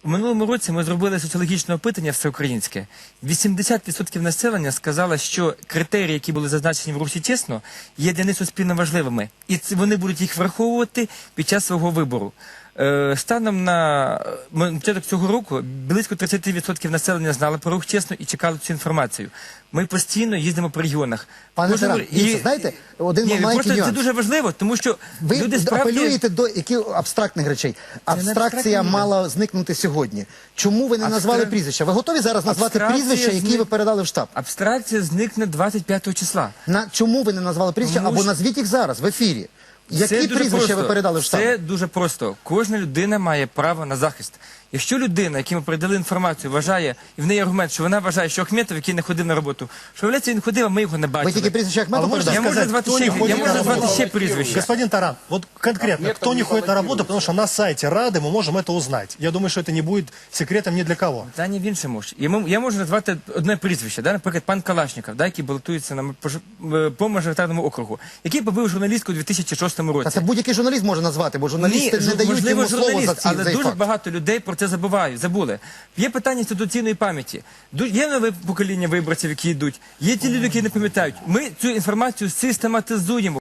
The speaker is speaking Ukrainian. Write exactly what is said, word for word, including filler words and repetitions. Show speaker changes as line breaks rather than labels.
У минулому році ми зробили соціологічне опитання всеукраїнське. вісімдесят відсотків населення сказало, що критерії, які були зазначені в русі чесно, є для них суспільно важливими. І це, вони будуть їх враховувати під час свого вибору. Е, станом на початок цього року близько тридцять відсотків населення знали про рух чесно і чекали цю інформацію. Ми постійно їздимо по регіонах.
Пане
Кожен-
Тарас, дивіться, знаєте, один
Ні,
маленький
просто це
нюанс.
дуже важливо, тому що
Ви
люди справді...
апелюєте до яких абстрактних речей. Абстракція
абстрактні
мала зникнути сьогодні. Чому ви не
Абстра-
назвали прізвища? Ви готові зараз назвати
Абстракція
прізвища, які
зник-
ви передали в штаб?
Абстракція зникне двадцять п'ятого числа.
На чому ви не назвали прізвища?
Тому
Або
що-
назвіть їх зараз в ефірі.
Це
Які
дуже
прізвища
просто.
ви передали в штаб?
Це дуже просто. Кожна людина має право на захист. Якщо людина, якій ми передали інформацію, вважає, і в неї аргумент, що вона вважає, що Ахметов, який не ходив на роботу, що виявляється, він ходив, а ми його не бачили.
Ви тільки прізвища Ахметова
А ви можете
Я
передали?
можу
сказать,
назвати
кто
ще,
не
я
ходит
можу
на
назвати
работу?
ще прізвища.
Господин Таран, вот конкретно,
Нет,
кто
там
не
не
ходит на работу,
баллотируется.
потому что на сайте Рады мы можем это узнать. Я думаю, что это не будет секретом ни для кого.
Та ні в іншому ж. І ми- Я можу назвати одне прізвище, да? Наприклад, пан Калашніков, да? який балотується на, пож- е, по мажоритарному округу, який побив журналістку у дві тисячі шостому році.
Та це будь-який журналіст може назвати, бо журналісти
Ні,
не дають
можливо,
йому слово
журналіст,
за ці,
але
цей
дуже
факт.
багато людей про це забувають, забули. Є питання інституційної пам'яті. Ду- Є нове покоління виборців, які йдуть. Є ті люди, які не пам'ятають. Ми цю інформацію систематизуємо.